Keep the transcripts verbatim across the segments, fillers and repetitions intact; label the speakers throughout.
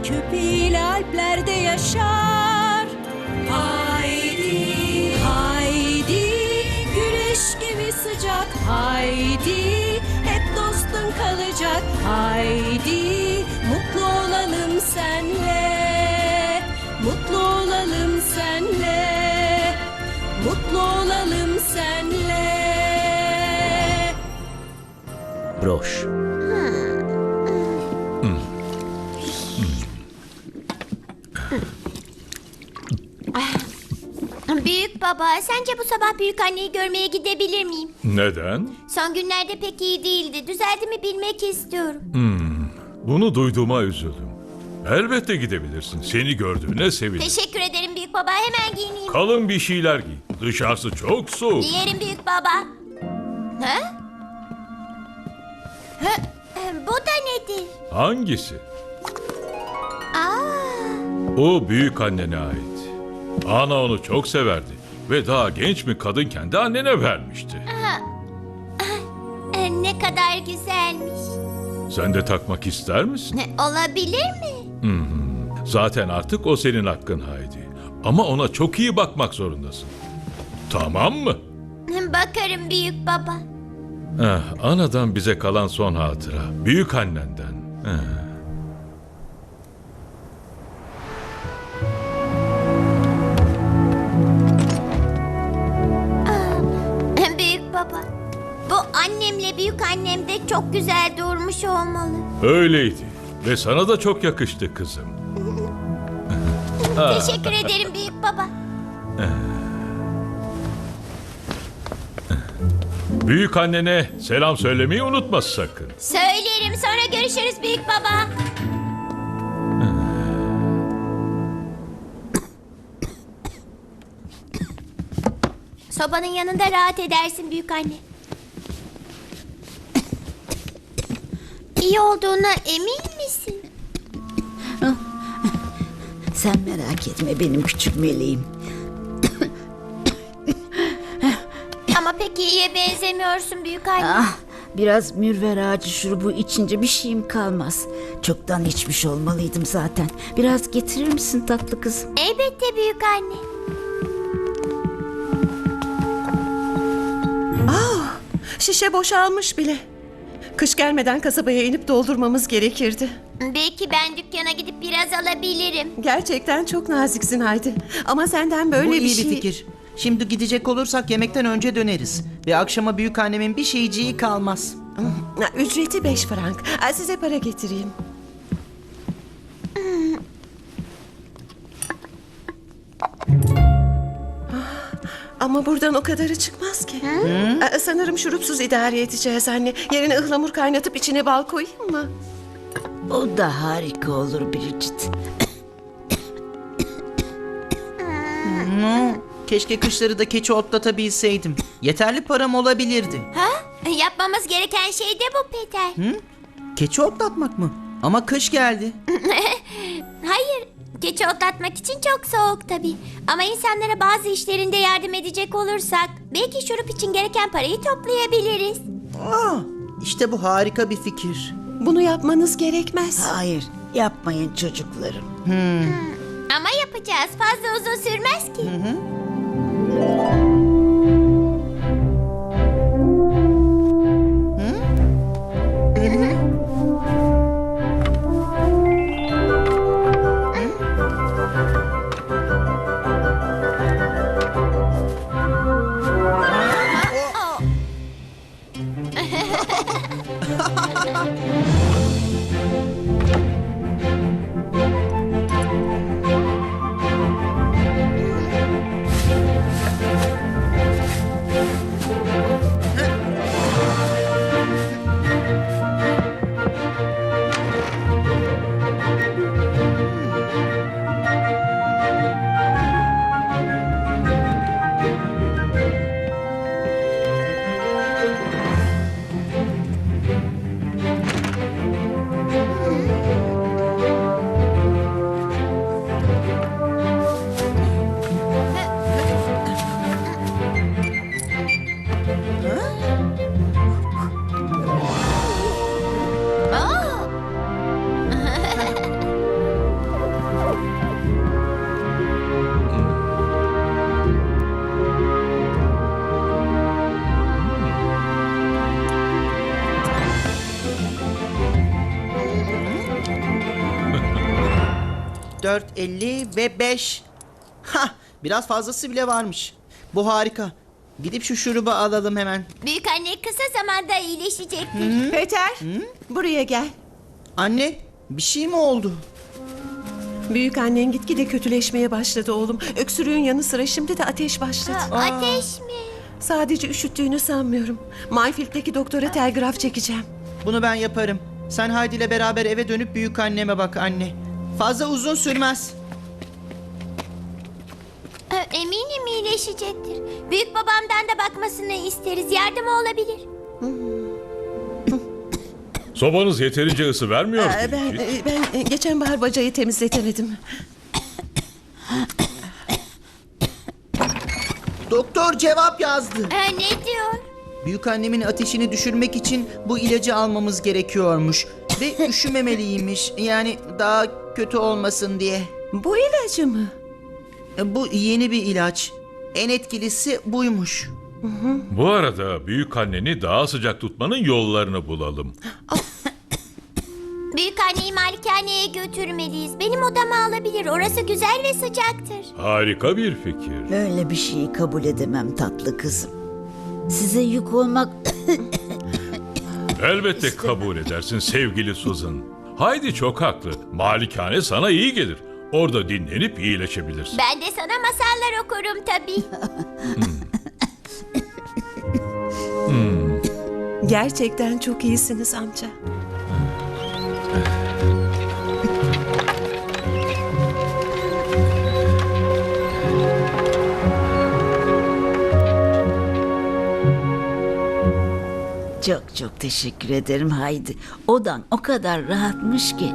Speaker 1: köpeğiyle Alplerde yaşar. Haydi, haydi, güneş gibi sıcak. Haydi, hep dostun kalacak. Haydi, mutlu olalım senle. Mutlu olalım senle. Mutlu olalım senle.
Speaker 2: Broş.
Speaker 3: Büyük baba, sence bu sabah büyük anneyi görmeye gidebilir miyim?
Speaker 4: Neden?
Speaker 3: Son günlerde pek iyi değildi. Düzeldi mi bilmek istiyorum.
Speaker 4: Bunu duyduğuma üzüldüm. Elbette gidebilirsin. Seni gördüğüne sevindim.
Speaker 3: Teşekkür ederim büyük baba. Hemen giyineyim.
Speaker 4: Kalın bir şeyler giy. Dışarısı çok soğuk.
Speaker 3: Giyerim büyük baba. Ha? Ha? Bu da nedir?
Speaker 4: Hangisi?
Speaker 3: Aa,
Speaker 4: O büyük annene ait. Ana onu çok severdi. Ve daha genç bir kadınken de annene vermişti.
Speaker 3: e, ne kadar güzelmiş.
Speaker 4: Sen de takmak ister misin?
Speaker 3: Ne, olabilir mi?
Speaker 4: Zaten artık o senin hakkın Haydi. Ama ona çok iyi bakmak zorundasın. Tamam mı?
Speaker 3: Bakarım büyük baba.
Speaker 4: Eh, anadan bize kalan son hatıra. Büyük annenden. Eh.
Speaker 3: Büyük baba. Bu annemle büyük annem de çok güzel durmuş olmalı.
Speaker 4: Öyleydi. Ve sana da çok yakıştı kızım.
Speaker 3: Teşekkür ederim büyük baba.
Speaker 4: Büyük annene selam söylemeyi unutma sakın.
Speaker 3: Söylerim, sonra görüşürüz büyük baba. Sobanın yanında rahat edersin büyük anne. İyi olduğuna emin misin?
Speaker 5: Sen merak etme benim küçük meleğim.
Speaker 3: Ama pek iyiye benzemiyorsun büyük anne.
Speaker 5: Ah, biraz mürver ağacı şurubu içince bir şeyim kalmaz. Çoktan içmiş olmalıydım zaten. Biraz getirir misin tatlı kızım?
Speaker 3: Elbette büyük anne.
Speaker 1: Şişe boşalmış bile. Kış gelmeden kasabaya inip doldurmamız gerekirdi.
Speaker 3: Belki ben dükkana gidip biraz alabilirim.
Speaker 1: Gerçekten çok naziksin Haydi. Ama senden böyle
Speaker 2: Bu
Speaker 1: bir
Speaker 2: iyi
Speaker 1: şey...
Speaker 2: bir fikir. Şimdi gidecek olursak yemekten önce döneriz. Ve akşama büyük annemin bir şeyciği kalmaz.
Speaker 1: Ha, Ücreti beş frank. Ha, size para getireyim. Ah, Ama buradan o kadarı çıkmaz ki. Ha, Sanırım şurupsuz idare edeceğiz anne. Yerine ıhlamur kaynatıp içine bal koyayım mı?
Speaker 5: O da harika olur Bridget.
Speaker 2: Keşke kışları da keçi otlatabilseydim. Yeterli param olabilirdi.
Speaker 3: Ha? Yapmamız gereken şey de bu Peter.
Speaker 2: Keçi otlatmak mı? Ama kış geldi.
Speaker 3: Hayır, keçi otlatmak için çok soğuk tabii. Ama insanlara bazı işlerinde yardım edecek olursak belki şurup için gereken parayı toplayabiliriz.
Speaker 2: Aa, işte bu harika bir fikir.
Speaker 1: Bunu yapmanız gerekmez.
Speaker 5: Hayır, yapmayın çocuklarım.
Speaker 3: Ama yapacağız. Fazla uzun sürmez ki.
Speaker 2: dört, elli ve beş. Hah, biraz fazlası bile varmış. Bu harika. Gidip şu şurubu alalım hemen.
Speaker 3: Büyük anne kısa zamanda iyileşecektir.
Speaker 1: Peter, buraya gel.
Speaker 2: Anne, bir şey mi oldu?
Speaker 1: Büyük annen gitgide kötüleşmeye başladı oğlum. Öksürüğün yanı sıra şimdi de ateş başladı.
Speaker 3: Aa, ateş mi?
Speaker 1: Sadece üşüttüğünü sanmıyorum. Mayfield'deki doktora telgraf çekeceğim.
Speaker 2: Bunu ben yaparım. Sen Haydi ile beraber eve dönüp büyük anneme bak anne. Fazla uzun sürmez.
Speaker 3: Ee, Eminim iyileşecektir. Büyük babamdan da bakmasını isteriz. Yardımı olabilir.
Speaker 4: Sobanız yeterince ısı vermiyor mu?
Speaker 1: Ee, ben,
Speaker 4: hiç?
Speaker 1: e, ben e, geçen bahar bacayı temizletemedim.
Speaker 2: Doktor cevap yazdı.
Speaker 3: Ee, ne diyor?
Speaker 2: Büyük annemin ateşini düşürmek için bu ilacı almamız gerekiyormuş. Ve üşümemeliymiş. Yani daha kötü olmasın diye.
Speaker 1: Bu ilacı mı?
Speaker 2: Bu yeni bir ilaç. En etkilisi buymuş.
Speaker 4: Bu arada büyük anneni daha sıcak tutmanın yollarını bulalım.
Speaker 3: Büyük anneyi malikaneye götürmeliyiz. Benim odama alabilir. Orası güzel ve sıcaktır.
Speaker 4: Harika bir fikir.
Speaker 5: Öyle bir şeyi kabul edemem tatlı kızım. Size yük olmak
Speaker 4: Elbette kabul edersin sevgili Susan. Haydi çok haklı. Malikane sana iyi gelir. Orada dinlenip iyileşebilirsin.
Speaker 3: Ben de sana masallar okurum tabii.
Speaker 1: Gerçekten çok iyisiniz amca.
Speaker 5: çok çok teşekkür ederim Haydi. Odan o kadar rahatmış ki.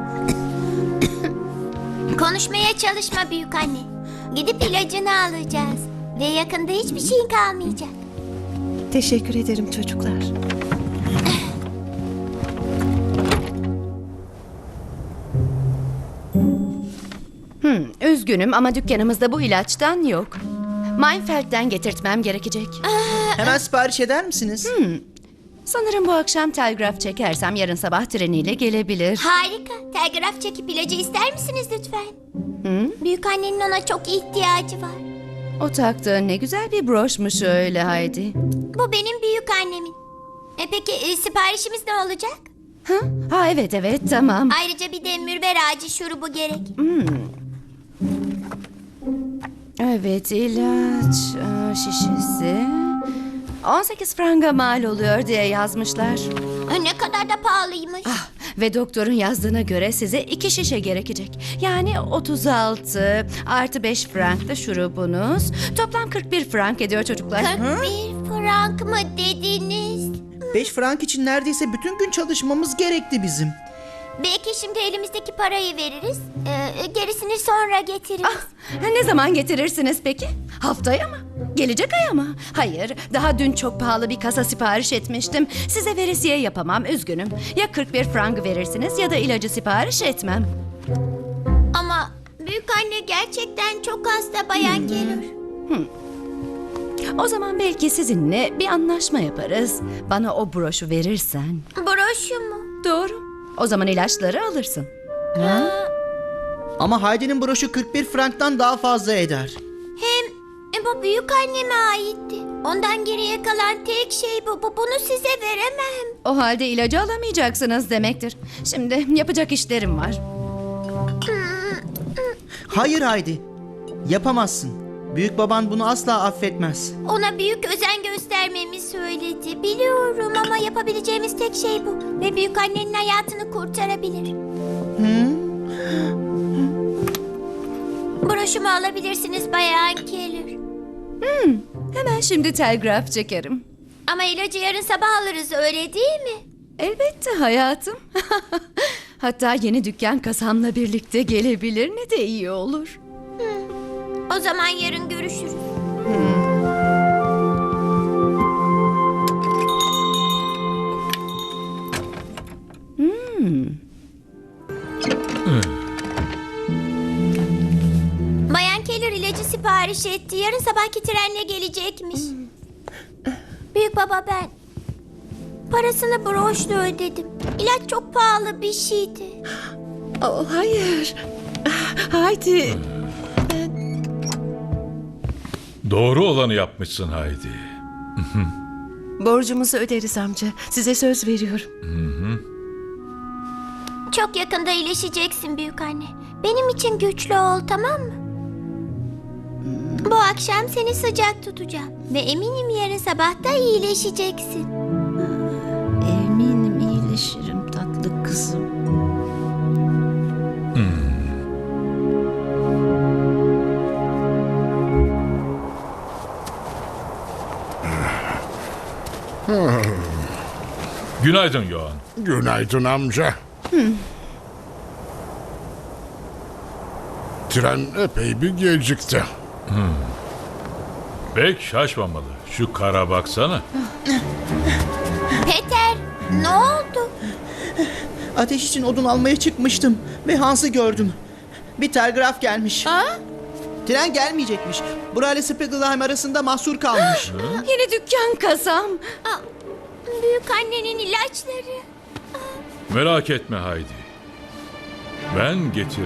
Speaker 3: Konuşmaya çalışma büyük anne. Gidip ilacını alacağız. Ve yakında hiçbir şeyin kalmayacak.
Speaker 1: Teşekkür ederim çocuklar.
Speaker 6: Üzgünüm ama dükkanımızda bu ilaçtan yok. Meinfeld'den getirtmem gerekecek.
Speaker 2: Hemen sipariş eder misiniz?
Speaker 6: Sanırım bu akşam telgraf çekersem yarın sabah treniyle gelebilir.
Speaker 3: Harika. Telgraf çekip ilacı ister misiniz lütfen? Büyük annenin ona çok ihtiyacı var.
Speaker 6: O taktığın ne güzel bir broşmuş öyle Haydi.
Speaker 3: Bu benim büyük annemin. E peki e, siparişimiz ne olacak?
Speaker 6: Ha? ha evet evet tamam.
Speaker 3: Ayrıca bir de mürver ağacı şurubu gerek.
Speaker 6: Evet ilaç e, şişesi. on sekiz franga mal oluyor diye yazmışlar.
Speaker 3: E, ne kadar da pahalıymış.
Speaker 6: Ve doktorun yazdığına göre size iki şişe gerekecek. Yani otuz altı artı beş frank da şurubunuz. Toplam kırk bir frank ediyor çocuklar.
Speaker 3: kırk bir frank mı dediniz?
Speaker 2: Beş frank için neredeyse bütün gün çalışmamız gerekti bizim.
Speaker 3: Belki şimdi elimizdeki parayı veririz. e, gerisini sonra getiririz.
Speaker 6: Ha, ne zaman getirirsiniz peki? Haftaya mı? Gelecek aya mı? Hayır, daha dün çok pahalı bir kasa sipariş etmiştim. Size veresiye yapamam, üzgünüm. Ya kırk bir frank verirsiniz ya da ilacı sipariş etmem.
Speaker 3: Ama büyük anne gerçekten çok hasta Bayan Keller.
Speaker 6: O zaman belki sizinle bir anlaşma yaparız. Bana o broşu verirsen.
Speaker 3: Broşu mu?
Speaker 6: Doğru. O zaman ilaçları alırsın.
Speaker 2: Ama Haydi'nin broşu kırk bir franktan daha fazla eder.
Speaker 3: Hem e, bu büyük anneme aitti. Ondan geriye kalan tek şey bu. bu. Bunu size veremem.
Speaker 6: O halde ilacı alamayacaksınız demektir. Şimdi yapacak işlerim var.
Speaker 2: Hayır Haydi. Yapamazsın. Büyük baban bunu asla affetmez.
Speaker 3: Ona büyük özen göstermemi söyledi. Biliyorum ama yapabileceğimiz tek şey bu. Ve büyük annenin hayatını kurtarabilir. Broşumu alabilirsiniz Bayan Keller.
Speaker 6: Hemen şimdi telgraf çekerim.
Speaker 3: Ama ilacı yarın sabah alırız öyle değil mi?
Speaker 6: Elbette hayatım. Hatta yeni dükkan kasamla birlikte gelebilir, ne de iyi olur.
Speaker 3: O zaman yarın görüşürüz. Bayan Keller ilacı sipariş etti. Yarın sabahki trenle gelecekmiş. Büyük baba ben parasını broşla ödedim. İlaç çok pahalı bir şeydi.
Speaker 1: Oh, hayır. Ah, Haydi.
Speaker 4: Doğru olanı yapmışsın Haydi.
Speaker 1: Borcumuzu öderiz amca. Size söz veriyorum.
Speaker 3: Çok yakında iyileşeceksin büyük anne. Benim için güçlü ol, tamam mı? Bu akşam seni sıcak tutacağım. Ve eminim yarın sabah da iyileşeceksin.
Speaker 5: Eminim iyileşirim tatlı kızım.
Speaker 4: Günaydın Yoğan.
Speaker 7: Günaydın amca. Tren epey bir gecikti.
Speaker 4: Pek şaşmamalı. Şu kara baksana.
Speaker 3: Peter, ne oldu?
Speaker 2: Ateş için odun almaya çıkmıştım ve Hans'ı gördüm. Bir telgraf gelmiş. Tren gelmeyecekmiş. Burayla Spiegelheim arasında mahsur kalmış.
Speaker 6: Yeni dükkan kasam.
Speaker 3: Aa, büyük annenin ilaçları.
Speaker 4: Merak etme Haydi. Ben getiririm.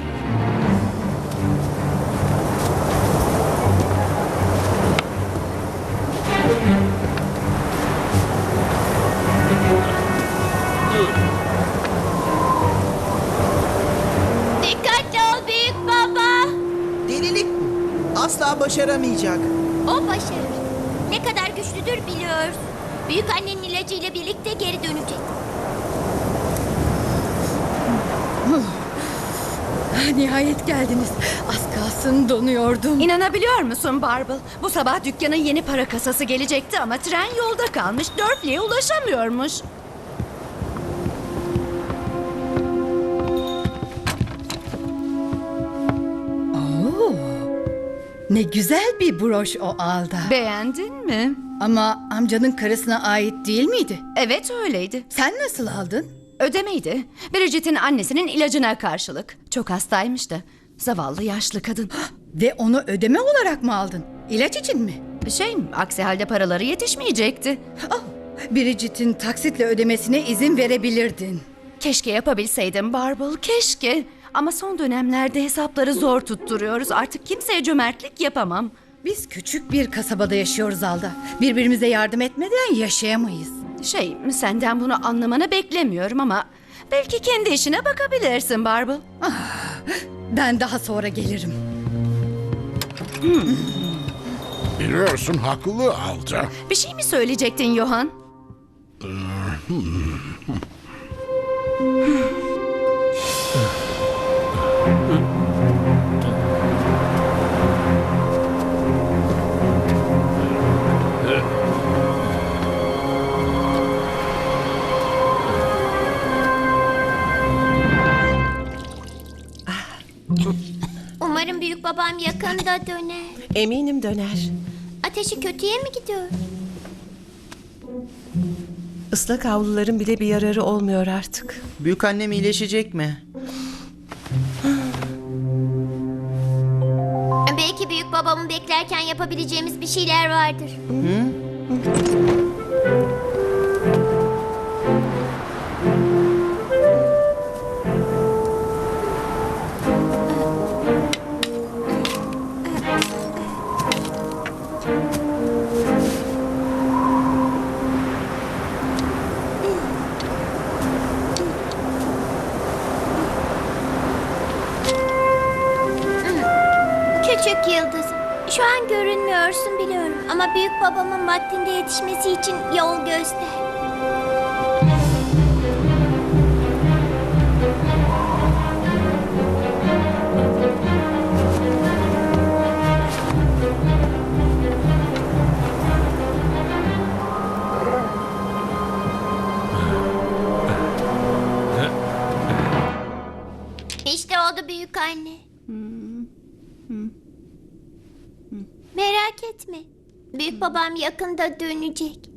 Speaker 3: Dikkatli ol büyük baba.
Speaker 2: Delilik bu. Asla başaramayacak.
Speaker 3: O başarır. Ne kadar güçlüdür biliyoruz. Büyük annenin ilacıyla birlikte geri dönecek.
Speaker 6: Nihayet geldiniz. Az kalsın donuyordum. İnanabiliyor musun Barbel? Bu sabah dükkanın yeni para kasası gelecekti ama tren yolda kalmış. Dörfli'ye ulaşamıyormuş.
Speaker 8: Ne güzel bir broş o Alda.
Speaker 6: Beğendin mi?
Speaker 8: Ama amcanın karısına ait değil miydi?
Speaker 6: Evet öyleydi.
Speaker 8: Sen nasıl aldın?
Speaker 6: Ödemeydi. Bridget'in annesinin ilacına karşılık. Çok hastaymış da. Zavallı yaşlı kadın.
Speaker 8: Ve onu ödeme olarak mı aldın? İlaç için mi?
Speaker 6: Şey, aksi halde paraları yetişmeyecekti.
Speaker 8: Oh, Bridget'in taksitle ödemesine izin verebilirdin.
Speaker 6: Keşke yapabilseydim Barbel, keşke. Ama son dönemlerde hesapları zor tutturuyoruz. Artık kimseye cömertlik yapamam.
Speaker 8: Biz küçük bir kasabada yaşıyoruz Alda. Birbirimize yardım etmeden yaşayamayız.
Speaker 6: Şey, senden bunu anlamanı beklemiyorum ama... Belki kendi işine bakabilirsin Barbel.
Speaker 8: Ben daha sonra gelirim.
Speaker 7: Biliyorsun haklı Alda.
Speaker 6: Bir şey mi söyleyecektin Johan?
Speaker 3: Umarım büyük babam yakında döner.
Speaker 1: Eminim döner.
Speaker 3: Ateşi kötüye mi gidiyor?
Speaker 1: Islak havluların bile bir yararı olmuyor artık.
Speaker 2: Büyük annem iyileşecek mi?
Speaker 3: Belki büyük babamı beklerken yapabileceğimiz bir şeyler vardır. Küçük yıldızım. Şu an görünmüyorsun biliyorum ama büyük babamın vaktinde yetişmesi için yol göster. İşte oldu büyük anne. Merak etme. Büyük babam yakında dönecek.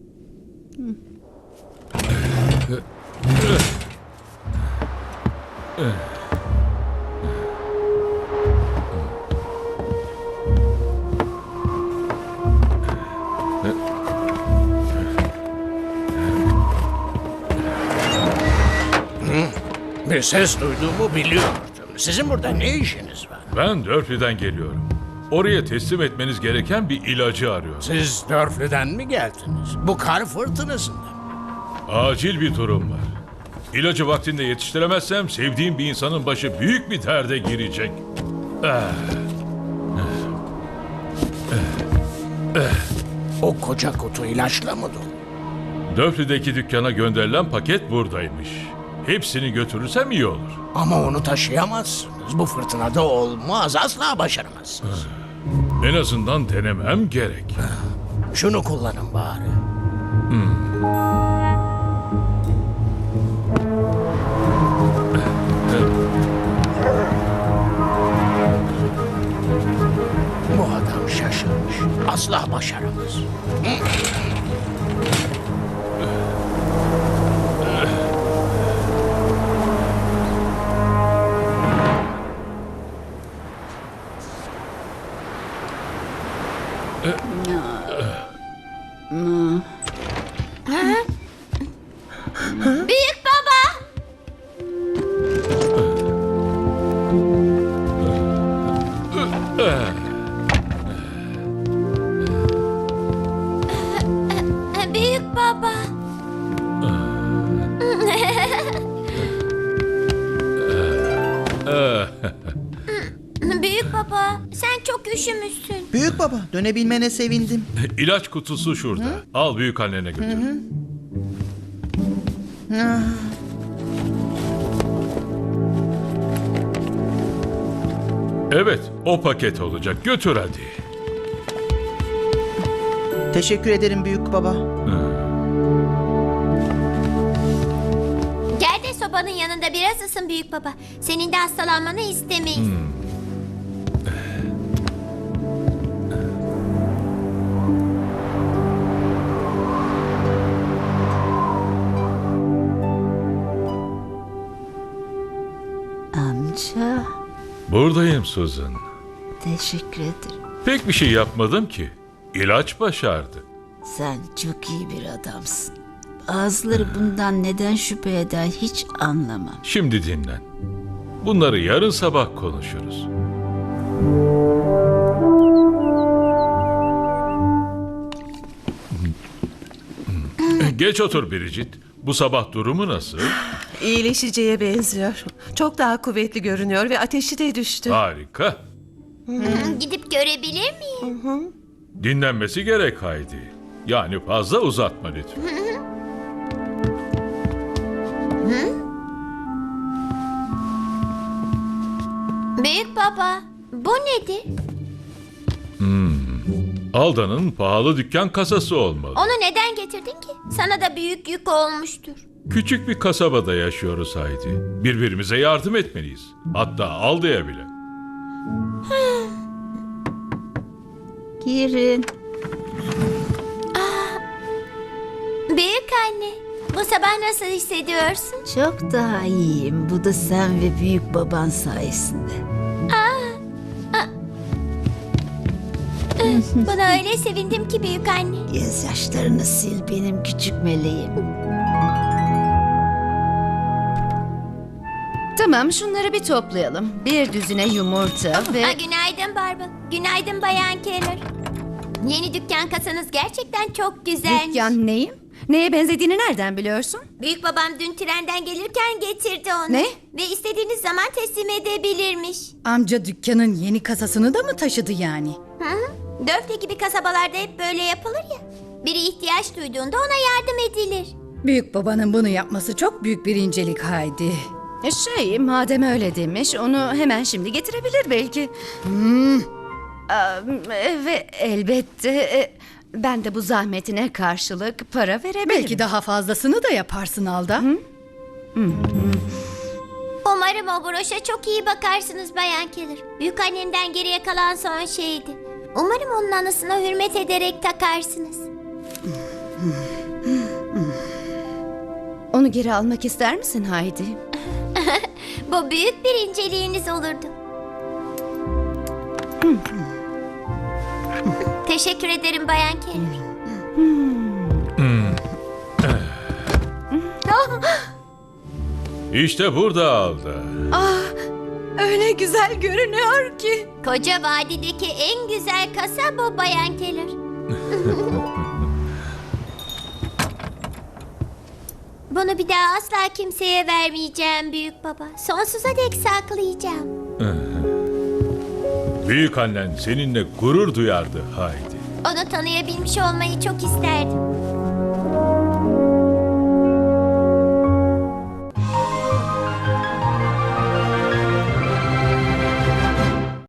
Speaker 9: Bir ses duyduğumu biliyordum. Sizin burada ne işiniz var?
Speaker 4: Ben Dörfli'den geliyorum. Oraya teslim etmeniz gereken bir ilacı arıyorum.
Speaker 7: Siz Dörflü'den mi geldiniz? Bu kar fırtınasında.
Speaker 4: Acil bir durum var. İlacı vaktinde yetiştiremezsem sevdiğim bir insanın başı büyük bir derde girecek.
Speaker 7: O koca kutu ilaçla mı dolu?
Speaker 4: Dörfli'deki dükkana gönderilen paket buradaymış. Hepsini götürürsem iyi olur.
Speaker 7: Ama onu taşıyamazsınız. Bu fırtınada olmaz. Asla başaramazsınız.
Speaker 4: En azından denemem gerek.
Speaker 7: Şunu kullanın bari. Bu adam şaşırmış. Asla başaramaz.
Speaker 3: Büyük baba. Büyük baba. Büyük baba, sen çok üşümüşsün.
Speaker 2: Büyük baba, dönebilmene sevindim.
Speaker 4: İlaç kutusu şurada. Al büyük annene götür. Evet, o paket olacak. Götür hadi.
Speaker 2: Teşekkür ederim büyük baba.
Speaker 3: Gel de sobanın yanında biraz ısın büyük baba. Senin de hastalanmanı istemeyiz.
Speaker 5: Amca,
Speaker 4: Buradayım Susan.
Speaker 5: teşekkür ederim.
Speaker 4: Pek bir şey yapmadım ki. İlaç başardı.
Speaker 5: Sen çok iyi bir adamsın. Bazıları bundan neden şüphe eder hiç anlamam.
Speaker 4: Şimdi dinlen. Bunları yarın sabah konuşuruz. Geç otur Bridget. Bu sabah durumu nasıl?
Speaker 1: İyileşeceğe benziyor. Çok daha kuvvetli görünüyor ve ateşi de düştü.
Speaker 4: Harika.
Speaker 3: Gidip görebilir miyim?
Speaker 4: Dinlenmesi gerek Haydi. Yani fazla uzatma lütfen.
Speaker 3: Büyük baba, bu nedir?
Speaker 4: Alda'nın pahalı dükkan kasası olmalı.
Speaker 3: Onu neden getirdin ki? Sana da büyük yük olmuştur.
Speaker 4: Küçük bir kasabada yaşıyoruz Haydi. Birbirimize yardım etmeliyiz. Hatta Alda'ya bile.
Speaker 5: Girin.
Speaker 3: Büyük anne, bu sabah nasıl hissediyorsun?
Speaker 5: Çok daha iyiyim. Bu da sen ve büyük baban sayesinde.
Speaker 3: Buna öyle sevindim ki büyük anne.
Speaker 5: Gözyaşlarını sil benim küçük meleğim.
Speaker 6: Tamam, şunları bir toplayalım. Bir düzine yumurta ve...
Speaker 3: Aa, günaydın Barbara. Günaydın Bayan Keller. Yeni dükkan kasanız gerçekten çok güzelmiş.
Speaker 6: Dükkan neyim? Neye benzediğini nereden biliyorsun?
Speaker 3: Büyük babam dün trenden gelirken getirdi onu.
Speaker 6: Ne?
Speaker 3: Ve istediğiniz zaman teslim edebilirmiş.
Speaker 8: Amca dükkanın yeni kasasını da mı taşıdı yani?
Speaker 3: Hı hı. Dörfte gibi kasabalarda hep böyle yapılır ya. Biri ihtiyaç duyduğunda ona yardım edilir.
Speaker 8: Büyük babanın bunu yapması çok büyük bir incelik Haydi.
Speaker 6: E Şey, madem öyle demiş, onu hemen şimdi getirebilir belki.
Speaker 8: Hmm.
Speaker 6: Aa, ve elbette e, ben de bu zahmetine karşılık para verebilirim.
Speaker 8: Belki daha fazlasını da yaparsın Alda.
Speaker 3: Umarım o broşa çok iyi bakarsınız Bayan Keller. Büyük annemden geriye kalan son şeydi. Umarım onun anısına hürmet ederek takarsınız.
Speaker 6: Onu geri almak ister misin Haydi?
Speaker 3: Bu büyük bir inceliğiniz olurdu. Teşekkür ederim Bayan Keller.
Speaker 4: İşte burada Alda.
Speaker 6: Öyle güzel görünüyor ki.
Speaker 3: Koca vadideki en güzel kasa bu Bayan Keller. Bunu bir daha asla kimseye vermeyeceğim büyük baba. Sonsuza dek saklayacağım.
Speaker 4: Büyük annen seninle gurur duyardı Haydi.
Speaker 3: Onu tanıyabilmiş olmayı çok isterdim.